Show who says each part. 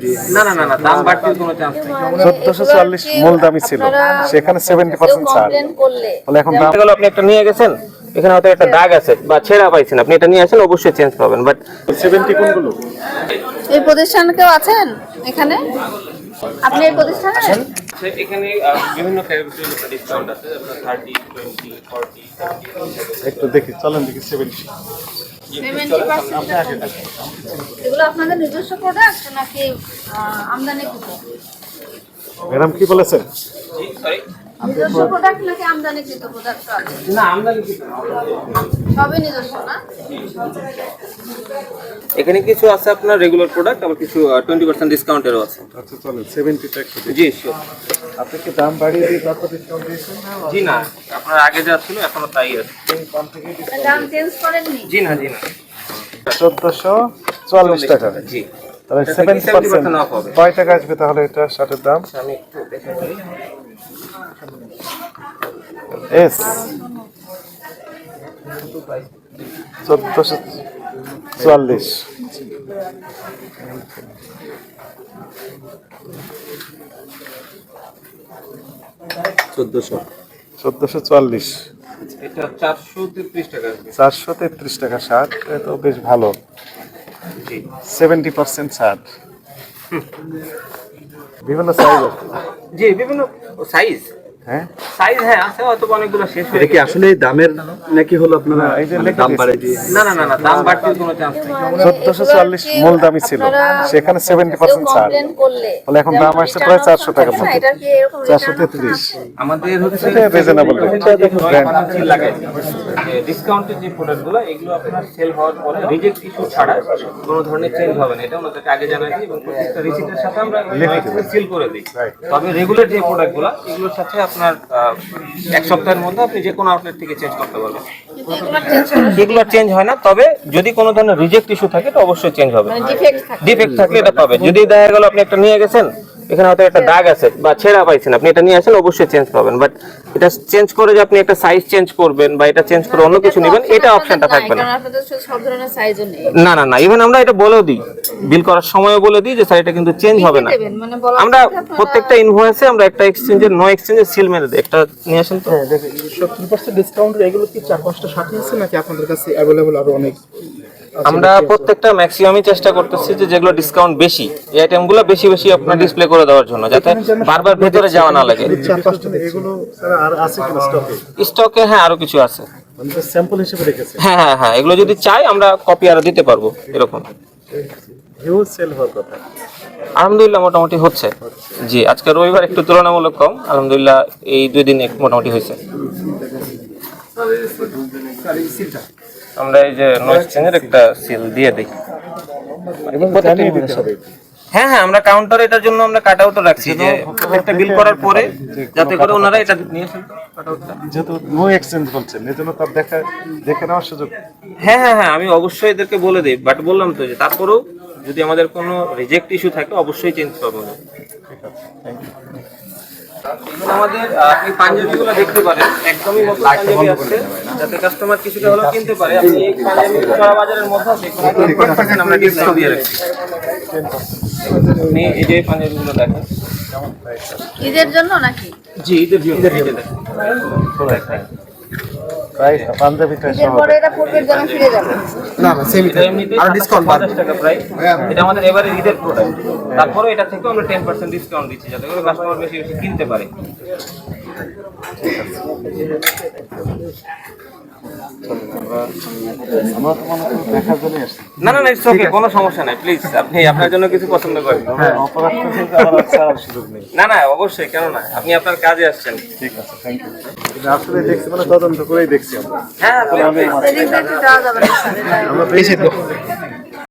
Speaker 1: না না না না, দাম বাড়তির কোনো চান্স নেই।
Speaker 2: 1440 মূল দামই ছিল, সেখানে 70% ছাড়। তাহলে এখন দাম
Speaker 1: গেল আপনি একটা নিয়ে গেছেন, এখানে হয়তো একটা দাগ আছে বা ছেঁড়া পাইছেন, আপনি এটা নিয়ে আসেন অবশ্যই চেঞ্জ পাবেন। বাট
Speaker 2: 70 কোনগুলো?
Speaker 3: এই প্রতিষ্ঠানে কেউ আছেন এখানে? আপনি এই প্রতিষ্ঠানে?
Speaker 1: এখানে বিভিন্ন ক্যাটাগরির উপর ডিসকাউন্ট আছে, আপনার 30, 20, 40,
Speaker 2: একটু দেখি, চলেন দেখি 70।
Speaker 3: 70% এগুলো আপনাদের নিজস্ব প্রোডাক্ট নাকি আমদানিকৃত?
Speaker 2: ম্যাডাম কি বলেছেন?
Speaker 1: জি সরি,
Speaker 3: নিজস্ব প্রোডাক্ট নাকি আমদানিকৃত প্রোডাক্ট আছে?
Speaker 1: না আমদানি কিছু না।
Speaker 3: সবই নিজস্ব না?
Speaker 1: এখানে কিছু আছে আপনার রেগুলার প্রোডাক্ট, আবার কিছু 20% ডিসকাউন্টেরও আছে।
Speaker 2: আচ্ছা চলেন 70টা একটু দেখি।
Speaker 1: জি শিওর।
Speaker 2: আপনি কি দাম বাড়িয়ে দিয়ে তারপর ডিসকাউন্ট দিয়েছেন?
Speaker 1: জি না, আপনার আগে যা ছিল এখনো তাই আছে।
Speaker 2: কম থেকে
Speaker 3: দাম চেঞ্জ করেননি?
Speaker 1: জি না জি না।
Speaker 2: 1440 টাকা।
Speaker 1: জি
Speaker 2: তাহলে
Speaker 1: এটা থেকে 70% off
Speaker 2: 70%
Speaker 1: হবে।
Speaker 2: কয় টাকা আসবে তাহলে এটা শার্টের দাম?
Speaker 1: আমি একটু দেখে বলি।
Speaker 2: এস 1440।
Speaker 1: চোদ্দশো।
Speaker 2: 1440,
Speaker 1: এটা 433 টাকা আসবে।
Speaker 2: 433 টাকা শার্ট, এটা তো বেশ ভালো।
Speaker 1: জি
Speaker 2: 70% ছাড়। বিভিন্ন সাইজ আছে।
Speaker 1: জি বিভিন্ন সাইজ,
Speaker 2: হ্যাঁ
Speaker 1: সাইজ হ্যাঁ আছে, হয়তো অনেকগুলো শেষ হয়ে
Speaker 4: এটা কি
Speaker 1: গেছে।
Speaker 4: আসলে দামের নাকি হলো আপনারা
Speaker 2: এই যে
Speaker 4: দাম বাড়াই দিয়ে?
Speaker 1: না না না না, দাম বাড়তির কোনো চান্স নেই।
Speaker 2: 1440 মূল দামই ছিল, সেখানে 70% ছাড়।
Speaker 3: কমপ্লেন করলে
Speaker 2: তাহলে এখন দাম আসছে প্রায় 400 টাকার মতো।
Speaker 3: এটা কি এরকম
Speaker 2: 433।
Speaker 1: আমাদের হচ্ছে
Speaker 2: এটা reasonable rate।
Speaker 1: সিল লাগাইছি। যে ডিসকাউন্টের যে প্রোডাক্টগুলো এগুলো আপনার সেল হওয়ার পরে রিজেক্ট ইস্যু ছাড়া কোনো ধরনের চেঞ্জ হবে না, এটা ওনাদেরকে আগে জানাই দিই এবং প্রত্যেকটা রিসিটের সাথে আমরা সিল করে দিই। তবে রেগুলার যে প্রোডাক্টগুলো এগুলোর সাথে আপনার 1 সপ্তাহের মধ্যে আপনি যে কোনো আউটলেট থেকে চেঞ্জ করতে পারবেন। এগুলো চেঞ্জ হয় না, তবে যদি কোনো ধরনের রিজেক্ট ইস্যু থাকে তো অবশ্যই চেঞ্জ হবে। ডিফেক্ট থাকলে এটা পাবে। যদি দেখা গেল আপনি একটা নিয়ে গেছেন, এখানে হয়তো একটা দাগ আছে বা ছেঁড়া পাইছেন, আপনি এটা নিয়ে আসেন অবশ্যই চেঞ্জ পাবেন। বাট এটা চেঞ্জ করে যে আপনি একটা সাইজ চেঞ্জ করবেন বা এটা চেঞ্জ করে অন্য কিছু নেবেন, এটা অপশনটা থাকবে না।
Speaker 3: কারণ আপনাদের সব ধরনের সাইজও নেই।
Speaker 1: না না না, ইভেন আমরা এটা বলেও দিই, বিল করার সময়ও বলে দিই যে স্যার এটা কিন্তু চেঞ্জ হবে না।
Speaker 3: দেবেন মানে বলা
Speaker 1: আমরা প্রত্যেকটা ইনভয়েসে আমরা একটা এক্সচেঞ্জের নো এক্সচেঞ্জের সিল মেরে দিই। একটা নিয়ে আসেন তো।
Speaker 4: 70% ডিসকাউন্ট এগুলো কি 4-5টা শার্ট আছে নাকি আপনাদের কাছে अवेलेबल আরো অনেক?
Speaker 1: আমরা প্রত্যেকটা ম্যাক্সিমামই চেষ্টা করতেছি যে যেগুলো ডিসকাউন্ট বেশি এই আইটেমগুলো বেশি বেশি আপনার ডিসপ্লে করে দেওয়ার জন্য, যাতে বারবার ভেতরে যাওয়া না লাগে।
Speaker 4: 4-5টা
Speaker 2: এগুলো স্যার আর আছে কি স্টকে?
Speaker 1: স্টকে হ্যাঁ আরো কিছু আছে।
Speaker 2: মানে স্যাম্পল হিসেবে রেখেছে।
Speaker 1: হ্যাঁ হ্যাঁ হ্যাঁ, এগুলো যদি চাই আমরা কপি আরো দিতে পারবো এরকম।
Speaker 2: হিউজ সেল হওয়ার কথা।
Speaker 1: আলহামদুলিল্লাহ মোটামুটি হচ্ছে। জি আজকে রবিবার একটু তুলনামূলক কম, আলহামদুলিল্লাহ এই 2 দিন মোটামুটি হয়েছে। আমরা এই যে নো এক্সচেঞ্জের একটা সিল দিয়ে দিই।
Speaker 2: জানিয়ে দিতে হবে।
Speaker 1: হ্যাঁ হ্যাঁ, আমরা কাউন্টারে এটার জন্য আমরা কাট আউটও রাখছি যে একটা বিল করার পরে যাতে করে ওনারা এটা নিয়ে আসেন কাট আউটটা।
Speaker 2: যেহেতু নো এক্সচেঞ্জ বলছেন, এজন্য তার দেখে নেওয়ার সুযোগ।
Speaker 1: হ্যাঁ হ্যাঁ হ্যাঁ, আমি অবশ্যই এদেরকে বলে দিই, বাট বললাম তো যে তারপরেও যদি আমাদের কোনো রিজেক্ট ইস্যু থাকে অবশ্যই চেঞ্জ করবো। আমাদের আপনি পাঞ্জাবিগুলো দেখতে পারেন, একদমই নতুন পাঞ্জাবি আছে, যাতে কাস্টমার কিছুটা হলেও কিনতে পারে। আপনি এই পাঞ্জাবি সারা বাজারের মধ্যে আছে, 10% আমরা ডিসকাউন্ট দিয়ে রাখছি। আপনি এই যে পাঞ্জাবিগুলো দেখেন,
Speaker 3: ঈদের জন্য নাকি?
Speaker 1: জি ঈদের জন্য
Speaker 2: প্রাইস পাঞ্জাবিটা
Speaker 3: ঈদের
Speaker 2: সহ।
Speaker 3: পরে এটা পূর্বের জন্য ফিরে যাবে।
Speaker 4: না না সেমি
Speaker 1: এটা এমনিতেই আর ডিসকাউন্ট 50 টাকা প্রাইস। এটা আমাদের এবারে ঈদের প্রোডাক্ট, তারপরে এটা থেকে আমরা 10% ডিসকাউন্ট দিচ্ছি যাতে করে কাস্টমার বেশি বেশি কিনতে পারে।
Speaker 2: আমরা তো মনে করি দেখার জন্য আসছি।
Speaker 1: না না না, ইটস ওকে, কোনো সমস্যা নাই। প্লিজ আপনি আপনার জন্য কিছু পছন্দ করেন।
Speaker 2: হ্যাঁ, অপরাধ করতে আমার ছাড়ার সুযোগ নেই।
Speaker 1: না না অবশ্যই, কেন না, আপনি আপনার কাজে আসছেন।
Speaker 2: ঠিক আছে, থ্যাংক ইউ। আসলে দেখছি, মানে তদন্ত করেই দেখছি আমরা।
Speaker 1: হ্যাঁ
Speaker 3: সেদিন তো একটু যাওয়া যাবে না।
Speaker 2: আমরা বেশি তো